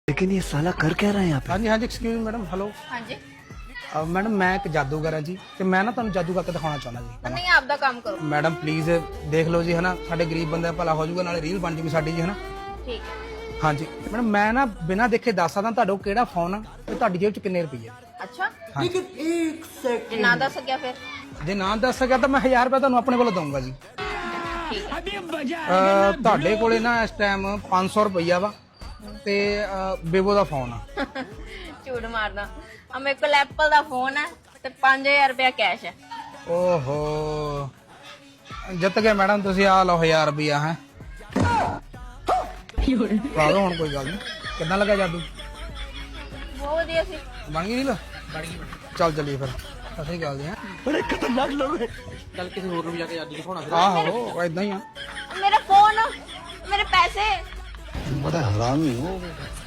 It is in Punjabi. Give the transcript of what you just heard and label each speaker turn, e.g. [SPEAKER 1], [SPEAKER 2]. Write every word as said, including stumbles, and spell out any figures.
[SPEAKER 1] लेकिन ये साला कर क्या रहा है यहाँ पे?
[SPEAKER 2] हाँ जी हाँ जी एक्सक्यूज मैडम हेलो
[SPEAKER 3] हाँ जी
[SPEAKER 2] ਮੈਡਮ ਮੈਂ ਇੱਕ ਜਾਦੂਗਰ ਹਾਂ ਜੀ ਤੇ ਮੈਂ ਨਾ ਤੁਹਾਨੂੰ ਜਾਦੂ ਕਰਕੇ ਦਿਖਾਉਣਾ ਚਾਹੁੰਦਾ ਜੀ
[SPEAKER 3] नहीं आपका काम करो
[SPEAKER 2] ਮੈਡਮ ਪਲੀਜ਼ ਦੇਖ ਲਓ ਜੀ ਹਨਾ ਸਾਡੇ ਗਰੀਬ ਬੰਦੇ ਦਾ ਭਲਾ ਹੋ ਜਾਊਗਾ ਨਾਲੇ ਰੀਲ ਬਣ ਜੂਗੀ ਸਾਡੀ ਜੀ ਹਨਾ
[SPEAKER 3] ठीक है
[SPEAKER 2] ਹਾਂਜੀ ਮੈਡਮ ਮੈਂ ਨਾ ਬਿਨਾਂ ਦੇਖੇ ਦੱਸ ਸਕਦਾ ਤੁਹਾਡਾ ਕਿਹੜਾ ਫੋਨ ਆ ਤੇ ਤੁਹਾਡੀ ਜੇਬ 'ਚ ਕਿੰਨੇ ਰੁਪਏ ਆ
[SPEAKER 3] अच्छा
[SPEAKER 2] लेकिन
[SPEAKER 3] एक सेकंड ना दस क्या फिर
[SPEAKER 2] ਜੇ ਨਾ ਦੱਸ ਸਕਿਆ ਤਾਂ ਮੈਂ ਹਜ਼ਾਰ ਰੁਪਏ ਤੁਹਾਨੂੰ ਆਪਣੇ ਕੋਲੋਂ ਦਊਂਗਾ ਜੀ
[SPEAKER 3] ठीक है
[SPEAKER 2] ਅਹ, ਤੁਹਾਡੇ ਕੋਲੇ ਨਾ ਇਸ ਟਾਈਮ ਪੰਜ ਸੌ ਰੁਪਈਆ ਵਾ ਤੇ ਬੇਬੋ ਦਾ ਫੋਨ ਆ
[SPEAKER 3] झूठ मारना अब मेरे को एप्पल का फोन है तो पांच हजार रुपया कैश है
[SPEAKER 2] ਓਹੋ ਜਿੱਤ ਗਏ ਮੈਡਮ ਤੁਸੀਂ ਆ ਲਓ ਹਜ਼ਾਰ ਰੁਪਈਆ ਹੈ ਪਾ ਲਓ ਹੁਣ ਕੋਈ ਗੱਲ ਨਹੀਂ ਕਿੱਦਾਂ ਲੱਗਾ ਜਾਦੂ
[SPEAKER 3] बहुत बढ़िया सी
[SPEAKER 2] ਬਣ ਗਈ ਰੀਲ ਬਣ ਗਈ ਚੱਲ ਚੱਲੀਏ ਫਿਰ ਸਹੀ ਗੱਲ ਦੀ ਹੈ
[SPEAKER 1] बड़े खतरनाक लोग हैं।
[SPEAKER 2] ਚੱਲ ਕਿਸੇ ਹੋਰ ਨੂੰ ਵੀ ਜਾ ਕੇ ਜਾਦੂ ਦਿਖਾਉਣਾ ਫਿਰ ਆਹੋ ਇਦਾਂ ਹੀ ਆ
[SPEAKER 3] मेरा फोन मेरे पैसे
[SPEAKER 1] बड़ा हरामी हो